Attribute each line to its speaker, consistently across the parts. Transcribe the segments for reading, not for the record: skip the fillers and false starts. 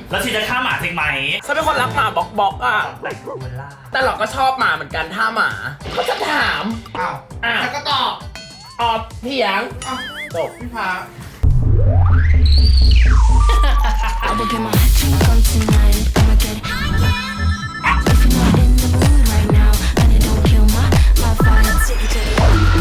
Speaker 1: แล้วชีจะฆ่าหมาจริงไหม
Speaker 2: ฉันเป็นคนรักหมาบอกอ่ะแต่เราก็ชอบหมาเหมือนกันถ้าหมาก็จะถาม
Speaker 3: แล้วก็ตอบ
Speaker 2: เถียงจบ
Speaker 3: พี่พา
Speaker 4: I will get my drink on tonight. I'ma get if you're not in the mood right now, and it don't kill my vibe. Take it to the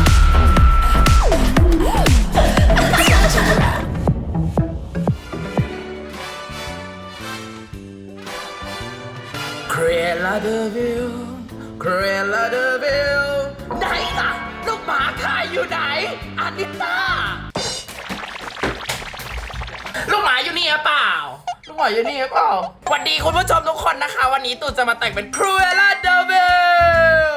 Speaker 2: Cruella de Vil Cruella de Vil ไหนล่ะลูกหมาขายอยู่ไหนอานิต้าลูกหมาอยู่นี่หรือเปล่าลูกหมาอยู่นี่หรือเปล่าสวัสดีคุณผู้ชมทุกคนนะคะวันนี้ตู่จะมาแต่งเป็น Cruella de Vil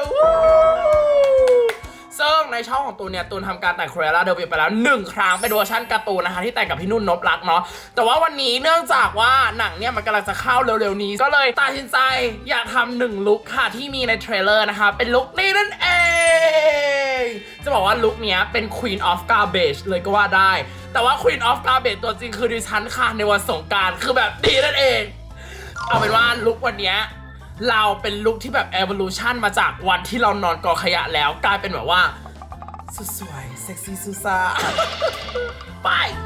Speaker 2: ซึ่งในช่องของตูนเนี่ยตูนทำการแต่ง Cruella de Vil ไปแล้ว1ครั้งเป็นเวอร์ชันการ์ตูนนะคะที่แต่งกับพี่นุ่นนพรักเนาะแต่ว่าวันนี้เนื่องจากว่าหนังเนี่ยมันกำลังจะเข้าเร็วๆนี้ก็เลยตัดสินใจอยากทำ1ลุคค่ะที่มีในเทรลเลอร์นะคะเป็นลุคนี้นั่นเองจะบอกว่าลุคเนี้ยเป็น Queen of Garbage เลยก็ว่าได้แต่ว่า Queen of Garbage ตัวจริงคือดิฉันค่ะในวันสงกรานต์คือแบบดีนั่นเองเอาเป็นว่าลุควันเนี้ยเราเป็นลุคที่แบบ evolution มาจากวันที่เรานอนกอขยะแล้วกลายเป็นแบบว่าสุดสวยเซ็กซี่ซูซ่าไป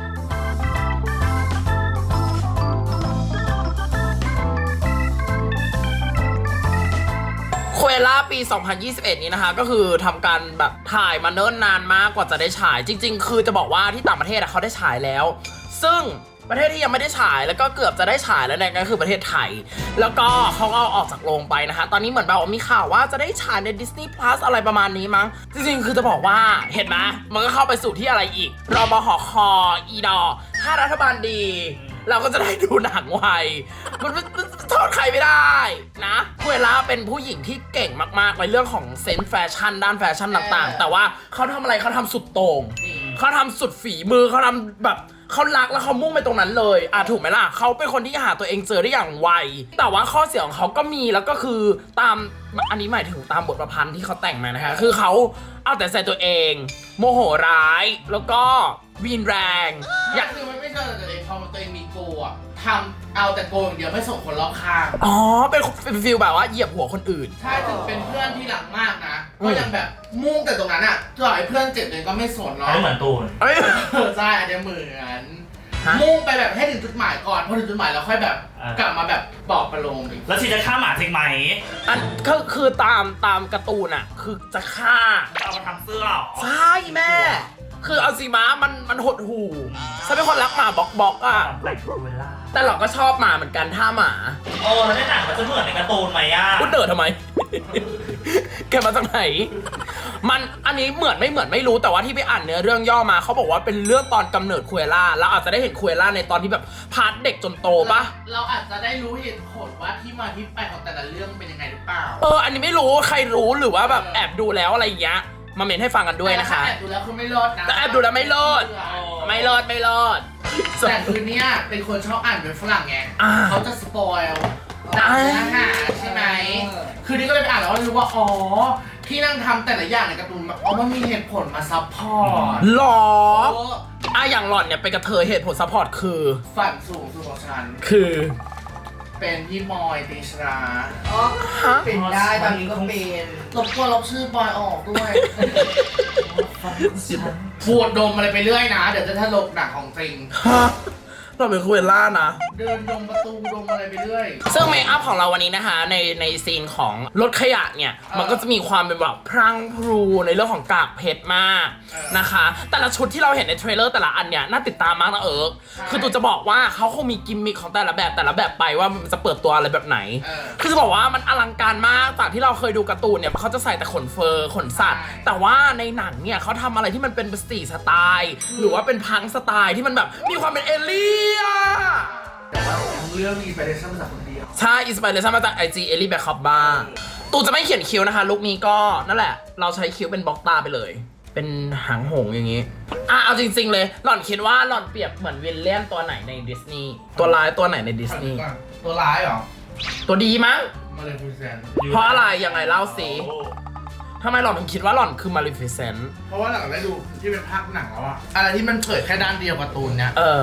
Speaker 2: คุเอล่าปี 2021 นี้นะคะก็คือทำการแบบถ่ายมาเนิ่นนานมากกว่าจะได้ฉายจริงๆคือจะบอกว่าที่ต่างประเทศเขาได้ฉายแล้วซึ่งประเทศที่ยังไม่ได้ฉายแล้วก็เกือบจะได้ฉายแล้วเนี่ยก็คือประเทศไทยแล้วก็เขาเอาออกจากโรงไปนะคะตอนนี้เหมือนแบบว่ามีข่าวว่าจะได้ฉายใน Disney Plus อะไรประมาณนี้มั้งจริงๆคือจะบอกว่าเห็นไหมมันก็เข้าไปสู่ที่อะไรอีกรบหคอีดอถ้ารัฐบาลดีเราก็จะได้ดูหนังไวมันโทษใครไม่ได้นะคุเอล่าเป็นผู้หญิงที่เก่งมากๆในเรื่องของเซนส์แฟชั่นด้านแฟชั่นต่างๆแต่ว่าเขาทำอะไรเขาทำสุดโต่งเขาทำสุดฝีมือเขาทำแบบเขารักแล้วเขามุ่งไปตรงนั้นเลยถูกไหมล่ะเขาเป็นคนที่หาตัวเองเจอได้อย่างไวแต่ว่าข้อเสียของเขาก็มีแล้วก็คือตามอันนี้หมายถึงตามบทประพันธ์ที่เขาแต่งมานะคะคือเขาเอาแต่ใส่ตัวเองโมโหร้ายแล้วก็วีนแรง
Speaker 3: อยากคือมันไม่ใช่ตัวเองพอตัวเองมีโกอะทำเอาแต่โกอย่างเดียวไม่ส่งคนรอบข้าง
Speaker 2: เป็นฟีลแบบว่าเหยียบหัวคนอื่น
Speaker 3: ใช่ถึงเป็นเพื่อนที่หลังมากนะก็ยังแบบมุ่งแต่ตรงนั้นอะต่อให้เพื่อนเจ็บเลยก็ไม่สนเนาะ
Speaker 1: ไม่เหมือนตูน
Speaker 3: ใช่อาจจะเหมือนมุ่งไปแบบให้ถึงจุดหมายก่อนพอถึงจุดหมายแล้วค่อยแบบกลับมาแบบปลอบประโลมอีก
Speaker 1: แล้วชีจะฆ่าหมาจริงไหม
Speaker 2: ก็คือตามการ์ตูนอะคือจะฆ่า
Speaker 1: จะเอามาทำเสื้อ
Speaker 2: ใช่แม่คือเอาสิม้ามันหดหูฉันเป็นคนรักหมาบอกอ่ะแต่เราก็ชอบหมาเหมือนกันถ้าหมา
Speaker 1: แล้วในหนังมันจะเหมือนในการ์ตูนไหมอ่ะ
Speaker 2: พูดเดินทำไม แกมาจากไหนมันอันนี้เหมือนไม่รู้แต่ว่าที่ไปอ่านเนื้อเรื่องย่อมาเขาบอกว่าเป็นเรื่องตอนกำเนิดคุเอล่าแล้วอาจจะได้เห็นคุเอล่าในตอนที่แบบพาร์ทเด็กจนโตปะ
Speaker 3: เราอาจจะได้รู้เหตุผลว่าที่มาที่ไปของแต่ละเรื่องเป็นยังไงหรือเปล่า
Speaker 2: อันนี้ไม่รู้ใครรู้หรือว่าแบบแอบดูแล้วอะไรอย่างเงี้ยมาเมนให้ฟังกันด้วยนะคะ
Speaker 3: แอบดูแล้วคือไม่รอดนะ
Speaker 2: แต่แอบดูแล้วไม่รอด
Speaker 3: แต่คือเนี้ยเป็นคนชอบอ่านเป็นฝรั่งไงเขาจะสปอยล์หนังเนื้อหาใช่ไหมคือนี่ก็เลยไปอ่านแล้วรู้ว่าที่นั่งทำแต่ละอย่างในการ์ตูนมันมีเหตุผลมาซัพพอร์ต
Speaker 2: หรออย่างหล่อนเนี่ยเป็นกระเทยเหตุผลซัพพอร์ตคือ
Speaker 3: ฝันสูงสุดของฉัน
Speaker 2: คือ
Speaker 3: เป็นพี่บอยติชรา
Speaker 5: เป็นได้ตอนนี้ก็เป็น
Speaker 3: ลบชื่อบอยออกด้วยพูดดมอะไรไปเรื่อยนะเดี๋ยวจะถลกหนักของจริง
Speaker 2: เราเป็นคุเอล่านะ
Speaker 3: เดินดมประตูดมอะไรไปเรื่อย
Speaker 2: ซึ่งเมคอัพของเราวันนี้นะคะในซีนของรถขยะเนี่ยมันก็จะมีความเป็นแบบพรั่งพรูในเรื่องของกากเพชรมากนะคะแต่ละชุดที่เราเห็นในเทรลเลอร์แต่ละอันเนี่ยน่าติดตามมากนะคือตูจะบอกว่าเขาคงมีกิมมิคของแต่ละแบบไปว่ามันจะเปิดตัวอะไรแบบไหนคือจะบอกว่ามันอลังการมากจากที่เราเคยดูการ์ตูนเนี่ยเขาจะใส่แต่ขนเฟอร์ขนสัตว์แต่ว่าในหนังเนี่ยเขาทำอะไรที่มันเป็นสตรีทสไตล์หรือว่าเป็นพังสไตล์ที่มันแบบมีความเป็นเอเลี่ย
Speaker 3: แต่ว่าทั้งเรื่องมีอินสปิเรชั่นมาจากคนเดียว
Speaker 2: ใช่อินสปิเรชั่นมาจาก IG เอลี่แบ็คคอปบ้าตูจะไม่เขียนคิ้วนะคะลุคนี้ก็นั่นแหละเราใช้คิ้วเป็นบล็อกตาไปเลยเป็นหางหงอย่างนี้เอาจริงๆเลยหล่อนคิดว่าหล่อนเปรียบเหมือนวิลเลียนตัวไหนในดิสนีย์ตัวร้ายตัวไหนในดิสนีย์
Speaker 3: ตัวร้ายเหรอ
Speaker 2: ตัวดีมั้ง
Speaker 3: มาเลฟิเซนต์
Speaker 2: เพราะอะไรยังไงเล่าสิทำไมหล่อนถึงคิดว่าหล่อนคือมาเลฟิเซนต์
Speaker 3: เพราะว่าหลังได้ดูที่เป็นภาคหนังแล้วอะอะไรที่มันเผยแค่ด้านเดียวการ์ตูนเนี้ย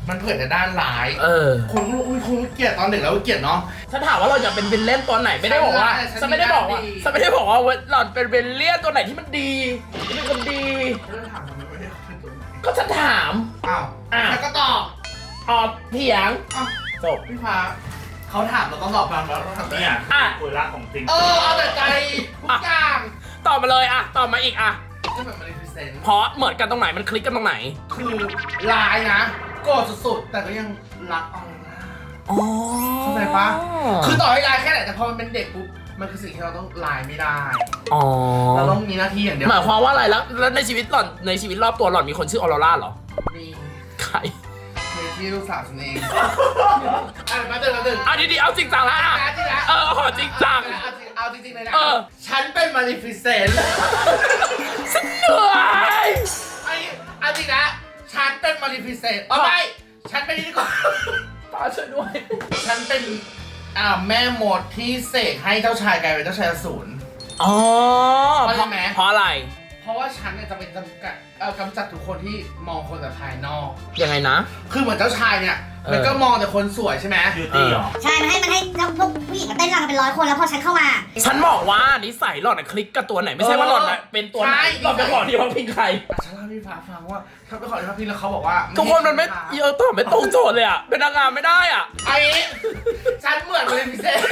Speaker 3: มันเผยแต่ด้านร้าย คนรู้อุ้ยคงเกลียดตอนเด็กแล้วเกลียดเนาะ
Speaker 2: ฉันถามว่าเราอยากเป็นวิลเลียนตัวไหนไม่ได้บอกว่าฉันไม่ได้บอกว่าหล่อนเป็นวิลเลียนตัวไหนที่มันดีที่เป็นคนดี
Speaker 3: เรื่องถามทำไมไม่ได้เป็นตัวไหน
Speaker 2: ก็ฉันถาม
Speaker 3: อ้าวแล้วก็ตอบ
Speaker 2: เถียง
Speaker 3: อ้าว
Speaker 2: จบ
Speaker 3: พี่ฟ้าเขาถามเราต้องตอบตามแล้วเราถาม
Speaker 1: เนี่ยคุยรักของจริง
Speaker 3: เอาแต่ใจทุกอย่าง
Speaker 2: ตอบมาเลยตอบมาอีก
Speaker 3: ก็แบบมันรีเซนต์
Speaker 2: เพราะเหมือนกันตรงไหนมันคลิกกันตรงไหน
Speaker 3: คือร้ายนะโกรธสุดๆแต่ก็ยังรักออร่า เข้าใจปะคือต่อให้ลายแค่ไหนแต่พอมันเป็นเด็กปุ๊บ มันคือสิ่งที่เราต้องลายไม่ได้ เราต้องมีหน้าที่อย่างเดียว
Speaker 2: หมายความว่าอะไรแล้วในชีวิตหล่อนในชีวิตรอบตัวหล่อนมีคนชื่อออโรราเหรอ
Speaker 3: มี
Speaker 2: ใคร
Speaker 3: ที่ลูกสาวฉันเองมาเดิน
Speaker 2: ดีๆเอาจริงจังแล้วขอจริงจัง
Speaker 3: เอาจริงๆเลยนะ
Speaker 2: เออ
Speaker 3: ฉันเป็นมาริฟิเซนต์
Speaker 2: ฉันเหนื่อย
Speaker 3: เอาจริงนะ ฉันเป็นมาริฟิเซนต์ไม่ฉันเป็นนี่ก่อน
Speaker 2: ป้าช่วยด้วย
Speaker 3: ฉันเป็นแม่มดที่เสกให้เจ้าชายกลายเป็นเจ้าชายอสูร
Speaker 2: อ๋อ
Speaker 3: เพราะอะไรไหม
Speaker 2: เพราะอะไร
Speaker 3: เพราะว่าฉันเนี่ยจะเป็นกำจัดทุกคนที่มองคนแต่ภายนอก
Speaker 2: ยังไงนะ
Speaker 3: คือเหมือนเจ้าชายเนี่ย มันก็มองแต่คนสวยใช่ไหม
Speaker 1: บิวตี้เหรอ
Speaker 6: ใช่ มันให้พวกผู้หญิงมาเต้นรำกันเป็น100 คนแล้วพอฉันเข้ามา
Speaker 2: ฉันบอกว่านิสัยหล่อนคลิกกับตัวไหนไม่ใช่ว่าหล่อนเป็นตัวไหนหล่อนไปขอที่พักพิงใคร
Speaker 3: ฉันเล่าให้พี่ฟ้าฟังว่าเขาไปขอที่พักพิงแล้วเขาบอกว่า
Speaker 2: ทุกคนมันไม่ตอบไม่ตรงโจทย์เลยเป็นนางงามไม่ได้อ่ะ
Speaker 3: ไอ้ฉันเหมือนมาเลยพิเศษ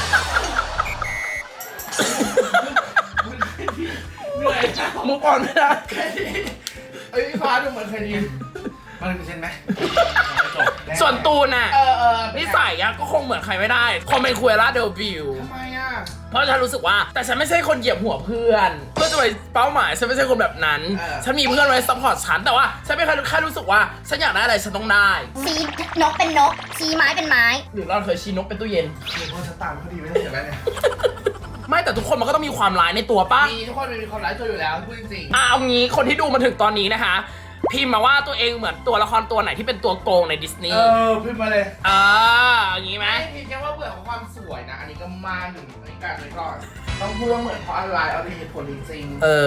Speaker 3: เหนื่อย
Speaker 2: มุกอ่อนไม่ได้
Speaker 3: พี่ฟ้าดูเหมือนเคยดีมาเลยพิเศษไหม
Speaker 2: ส่วนตูนน่ะ
Speaker 3: นิ
Speaker 2: นิสัยอะก็คงเหมือนใครไม่ได้คงเป็นคุยล่าเดบิว
Speaker 3: ทำไมอ่ะ
Speaker 2: เพราะฉันรู้สึกว่าแต่ฉันไม่ใช่คนเหยียบหัวเพื่อนเพื่อจะไปเป้าหมายฉันไม่ใช่คนแบบนั้นฉันมีเพื่อนไว้ซัพพอร์ตฉันแต่ว่าฉันไม่เคยแค่รู้สึกว่าฉันอยากได้อะไรฉันต้องได้
Speaker 6: ชี้นกเป็นนก ชี้ไม้เป็นไม้
Speaker 2: หรือเราเคยชี้นกเป็นตู้เย็น
Speaker 3: คือพอฉันตามเขาดีไม่ได้เห็นแล้วเนี่ย
Speaker 2: ไม่แต่ทุกคนมันก็ต้องมีความร้ายในตัวป่ะ
Speaker 3: มีทุกคนมีความร้ายตัวอยู่แล้วพูดจริง
Speaker 2: เอางี้คนที่ดูมาถึงตอนนี้นะคะพิมพ์มาว่าตัวเองเหมือนตัวละครตัวไหนที่เป็นตัวโกงในดิสนีย์
Speaker 3: พิมพ์มาเลย
Speaker 2: อย่างงี้ไหม
Speaker 3: ไม่พิมพ์แค่ว่าเบื่อของความสวยนะ อันนี้ก็มาหนึ่งในการไว้ก่อน ต้องพูดว่าเหมือนเพราะอะไรเอาเหตุผลจริง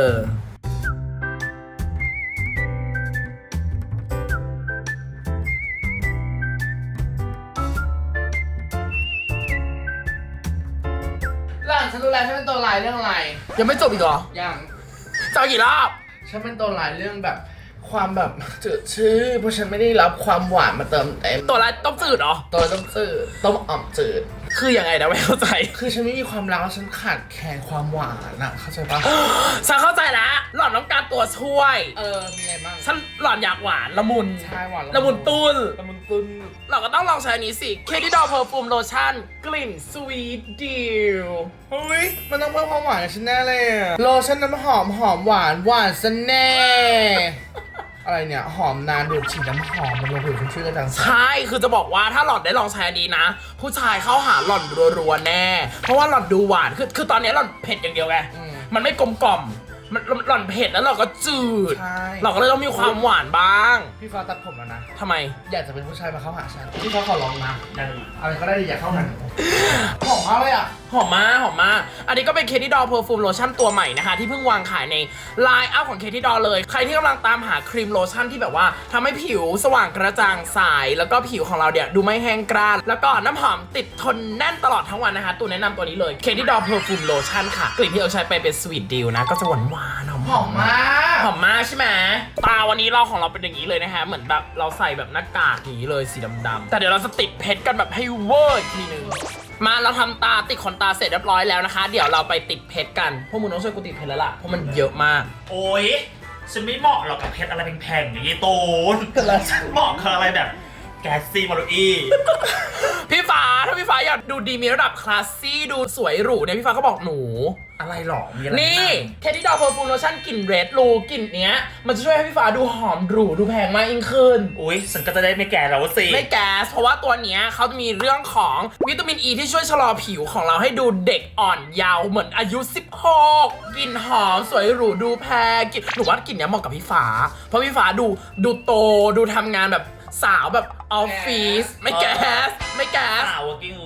Speaker 3: หลังฉันรู้แล้วฉันเป็นตัวร้ายเรื่องอะไร
Speaker 2: ยังไม่จบอีกเหรอ
Speaker 3: อย่าง
Speaker 2: จะเอากี่รอบ
Speaker 3: ฉันเป็นตัวร้ายเรื่องแบบ ความแบบจืดชืดเพราะฉันไม่ได้รับความหวานมาเติมเต็ม
Speaker 2: ตัวร้ายต้มจืดเหรอ
Speaker 3: ตัวต้มจืดต้มอ่อมจืด
Speaker 2: คือยังไงนะไม่เข้าใจ
Speaker 3: คือฉันไม่มีความรักแล้วฉันขาดแคลนความหวานอะเข้าใจปะ
Speaker 2: ฉันเข้าใจแล้วหล่อนต้องการตัวช่วย
Speaker 3: มีอะไรบ้าง
Speaker 2: ฉันหล่อนอยากหวานละมุน
Speaker 3: ใช่หวาน
Speaker 2: ละมุนตุ้น
Speaker 3: ละมุนตุ้น
Speaker 2: เราก็ต้องลองใช้อันนี้สิ เคที่ดอเพอร์ฟูมโลชั่นกลิ่นสวีทดิว
Speaker 3: เฮ้ย มันต้องเพิ่มความหวานกับฉันแน่เลยอะโลชั่นน้ำหอมหวานซะแน่ อะไรเนี่ย หอมนานดูดฉีดน้ำหอมมันลงผิวชุ่มชื่นกระจ่างใส
Speaker 2: ใช่ คือจะบอกว่าถ้าหล่อนได้ลองใช้อันนี้นะ ผู้ชายเข้าหาหล่อนรัวๆแน่ เพราะว่าหล่อนดูหวาน คือตอนนี้หล่อนเผ็ดอย่างเดียวไง มันไม่กลมกล่อม มันหล่อนเผ็ดแล้วเราก็จืด
Speaker 3: ใช่
Speaker 2: เราก็เลยต้องมีความหวานบ้าง
Speaker 3: พี่ฟ้าตัดผมแล้วนะ
Speaker 2: ทำไม
Speaker 3: อยากจะเป็นผู้ชายมาเข้าหาฉัน พี่ฟ้าขอลองนะ
Speaker 1: นั่น
Speaker 3: อะไรก็ได้อยากเข้าหาหนูหอมมากเลยอ่ะ
Speaker 2: หอมมากหอมมาก อันนี้ก็เป็นเคที่ดอเพอร์ฟูมโลชั่นตัวใหม่นะคะ ที่เพิ่งวางขายในไลน์อัพของเคที่ดอเลย ใครที่กำลังตามหาครีมโลชั่นที่แบบว่าทำให้ผิวสว่างกระจ่างใสแล้วก็ผิวของเราเนี่ยดูไม่แห้งกร้านแล้วก็น้ำหอมติดทนแน่นตลอดทั้งวันนะคะตัวแนะนำตัวนี้เลยเคที่ดอเพอร์ฟูมโลชั่นค่ะกลิ่นที่เราใช้ไปเป็นสวีทดิวนะก็จะหวานหวานๆ
Speaker 3: หอมมาก
Speaker 2: หอมมากใช่ไหมตาวันนี้เราของเราเป็นอย่างนี้เลยนะฮะเหมือนแบบเราใส่แบบหน้ากากอย่างนี้เลยสีดำๆแต่เดี๋ยวเราจะติดเพชรกันแบบให้เวอร์อีกทีนึงมาเราทำตาติดขนตาเสร็จเรียบร้อยแล้วนะคะ เดี๋ยวเราไปติดเพชรกันพวกมึงต้องช่วยกูติดเพชรแล้วล่ะเพราะมันเยอะมาก
Speaker 1: โอ๊ยฉันไม่เหมาะหรอกกับเพชรอะไรแพงๆอย่างนี้ตูนฉันเหมาะกับอะไรแบบแกสซี่มารุอี
Speaker 2: พี่ฟ้าถ้าพี่ฟ้าอยากดูดีมีระดับคลาสซี่ดูสวยหรูเนี่ยพี่ฟ้าก็บอกหนู
Speaker 3: อะไรหรอ มีอะไร
Speaker 2: นี่เคที่ดอเพอร์ฟูมโลชั่นกลิ่นเรดรูกลิ่นเนี้ยมันจะช่วยให้พี่ฟ้าดูหอมหรูดูแพงมากยิ่งขึ้น
Speaker 1: อุ๊ยฉันก็จะได้ไม่แก่แล้วสิ
Speaker 2: ไม่แก๊สเพราะว่าตัวเนี้ยเขาจะมีเรื่องของวิตามินอ e ีที่ช่วยชะลอผิวของเราให้ดูเด็กอ่อนเยาว์เหมือนอายุ 16กลิ่นหอมสวยหรูดูแพงกลิ่นหนูว่ากลิ่นเนี้ยเหมาะกับพี่ฟ้าเพราะพี่ฟ้าดูโตดูทำงานแบบสาวแบบออฟฟิศไม่แก๊สไม่แก๊ส
Speaker 1: สาว working woman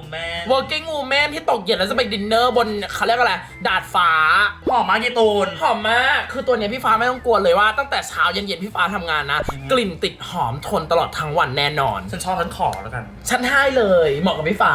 Speaker 2: working woman ที่ตกเย็นแล้วจะไปดินเนอร์บนเขาเรียกอะไรดาดฟ้า
Speaker 1: หอมมากยีตูน
Speaker 2: หอมมากคือตัวเนี้ยพี่ฟ้าไม่ต้องกลัวเลยว่าตั้งแต่เช้าเย็นๆพี่ฟ้าทำงานนะ กลิ่นติดหอมทนตลอดทั้งวันแน่นอน
Speaker 1: ฉันชอบฉันขอแล้วกัน
Speaker 2: ฉันให้เลยเหมาะกับพี่ฟ้า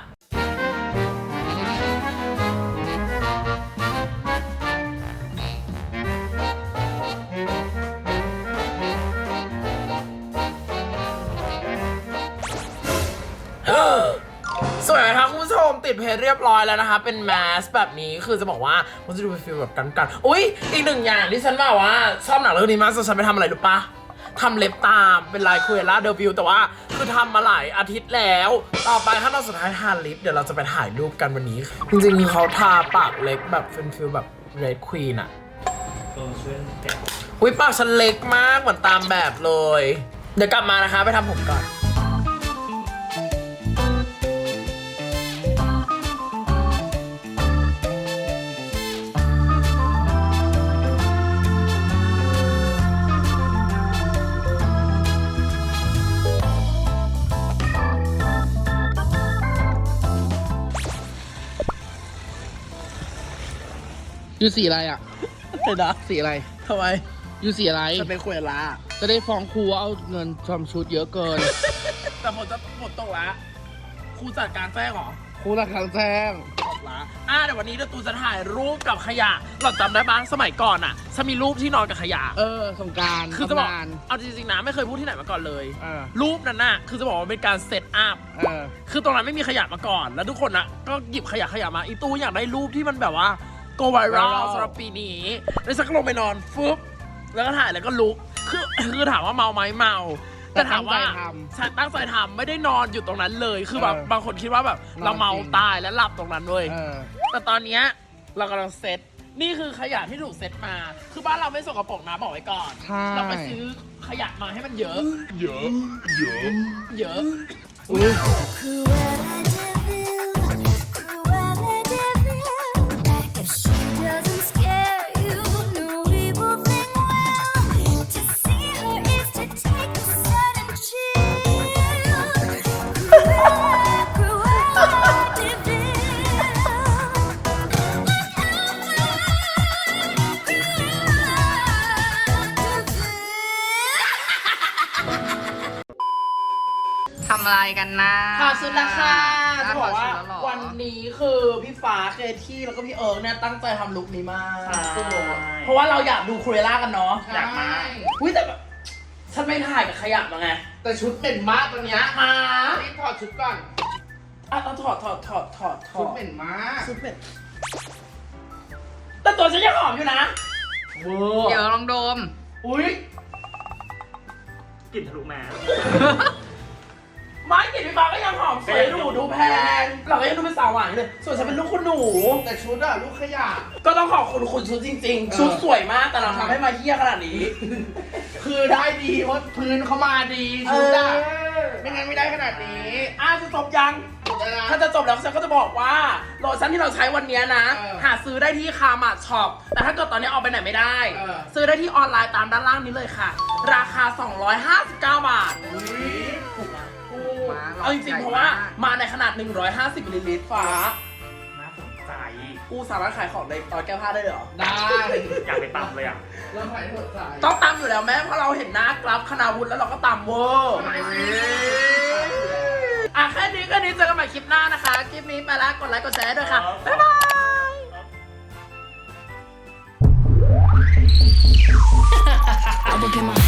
Speaker 2: สวยไหมคะคุณผู้ชมติดเพจเรียบร้อยแล้วนะคะเป็นแมสแบบนี้คือจะบอกว่ามันจะดูเป็นฟีลแบบกันๆอุ๊ยอีกหนึ่งอย่างที่ฉันบอกว่าชอบหนังเรื่องนี้มากฉันไปทำอะไรรู้ปะทำเล็บตามเป็นลายคุเอล่าเดวิลแต่ว่าคือทำมาหลายอาทิตย์แล้วต่อไปขั้นตอนสุดท้ายทาลิปเดี๋ยวเราจะไปถ่ายรูปกันวันนี้จริงๆเขาทาปากเล็กแบบเป็นฟีลแบบเรดควีนอะ
Speaker 1: ช่วยแกะ
Speaker 2: อุ๊ยปากฉันเล็กมากเหมือนตามแบบเลยเดี๋ยวกลับมานะคะไปทำผมก่อน
Speaker 3: ยูสีอะไรอ่ะ
Speaker 2: เดี๋ยวนะ
Speaker 3: สีอะไร
Speaker 2: ทำไม
Speaker 3: ยูสีอะไร
Speaker 2: จะเป็นคุเอล่า
Speaker 3: จะได้ฟ้องครูว่าเอาเงินทำชุดเยอะเกิน
Speaker 2: แต่ผมจะหมดตกละครูจัดการแจ้งเหรอ
Speaker 3: ครูละครั้งแจ้ง
Speaker 2: หมดละเดี๋ยววันนี้เดี๋ยวตูจะถ่ายรูปกับขยะเราจำได้บ้างสมัยก่อนอ่ะฉันมีรูปที่นอนกับขยะ
Speaker 3: สงกราร
Speaker 2: คือจะบอก
Speaker 3: ทำงาน
Speaker 2: เอาจริงๆนะไม่เคยพูดที่ไหนมาก่อนเลย
Speaker 3: เออ
Speaker 2: รูปนั้นน่ะคือจะบอกว่าเป็นการเซตอัพ คือตรงนั้นไม่มีขยะมาก่อน แล้วทุกคนนะก็หยิบขยะมาอีตู้อยากได้รูปที่มันแบบว่าโกไวรัล
Speaker 3: viral
Speaker 2: สำหรับปีนี้แล้วฉันก็ลงไปนอนฟึบแล้วก็ถ่ายแล้วก็ลุกคือถามว่าเมาไหมเมาแต่ถามว่าฉันตั้งใจทำไม่ได้นอนอยู่ตรงนั้นเลยคือแบบบางคนคิดว่าแบบเราเมาตายแล้วหลับตรงนั้นเลยแต่ตอนเนี้ยเรากำลังเซตนี่คือขยะที่ถูกเซตมา คือบ้านเราไม่สกปรกนะบอกไว้ก่อน
Speaker 3: ใช่
Speaker 2: เราไปซื้อขยะมาให้มันเยอะ เยอะ
Speaker 4: Cruella de Vil, Cruella de Vil. If she doesn't scare you, no evil thing will. To see her is to take a sudden chill. Cruella de Vil. Cruella de Vil.
Speaker 5: ทำอะไรกันนะ
Speaker 2: ถอดชุดแล้วค่ะจะบอกว่า
Speaker 5: ถดชุดแล้เหรอ
Speaker 2: วันนี้คือพี่ฟ้าเคที่แล้วก็พี่เอิร์กเนี่ยตั้งใจทำลุคนี้มาก
Speaker 1: ใช่
Speaker 2: เพราะว่าเราอยากดูคูเรล่ากันเนาะ
Speaker 1: อยากมา
Speaker 2: อุ้ยแต่แบบฉันไม่ถ่ายกับขยะมาไง
Speaker 3: แต่ชุดเหม็นมากตอนเนี้ย
Speaker 2: มา
Speaker 3: รีบถอดชุดก่อน
Speaker 2: ต้องถอด
Speaker 3: ชุดเหม็นมาก
Speaker 2: ชุดเป็นแต่ตัวฉันยังหอมอยู่นะเวอร์
Speaker 5: เดี๋ยวลองดม
Speaker 2: อุ้ย
Speaker 1: กลิ่นทะลุแมส
Speaker 2: ไม้กลิ่นพี่ฟ้าก็ยังหอมสวยดูแพงเราก็ยังดูเป็นสาวหวานอยู่เลยส่วนฉันเป็นลูกคุณหนู
Speaker 3: แต่ชุดอะลูกขยะ
Speaker 2: ก็ต้องขอบคุณชุดจริงๆ ชุดสวยมากแต่เราทำให้มาเฮี้ยขนาดนี้
Speaker 3: คือได้ดีเพราะพื้นเขามาดีชุดอะไม่งั้นไม่ได้ขนาดนี้
Speaker 2: จะจบยัง
Speaker 3: จบแล้วนะ
Speaker 2: ถ้าจะจบแล้วฉันก็จะบอกว่าโลชั่นที่เราใช้วันนี้นะ
Speaker 3: เออ
Speaker 2: หาซื้อได้ที่คามาช็อปแต่ถ้าเกิดตอนนี้ออกไปไหนไม่ได้
Speaker 3: เออ
Speaker 2: ซื้อได้ที่ออนไลน์ตามด้านล่างนี้เลยค่ะ ราคา 259 บาทถูกไหม
Speaker 5: มา
Speaker 2: เอาจริงๆเพราะว่ามาในขนาด 150มิลลิลิตรฟ้า
Speaker 1: น่าสนใจ
Speaker 2: กูสามารถขายของในตอนแก้ผ้าได้เลยเหรอ
Speaker 3: ได้
Speaker 1: อยากไปตำเลยอ่ะ
Speaker 3: เริ่มถ่ายหัวใจ
Speaker 2: ต้องตำอยู่แล้วแม่เพราะเราเห็นหน้ากราฟคณาวุฒิแล้วเราก็ตำเวอร์แค่นี้เจอกันใหม่คลิปหน้านะคะ คลิปนี้ไปแล้วกดไลค์กดแชร์ด้วยค่ะ บ๊ายบาย
Speaker 4: I will get my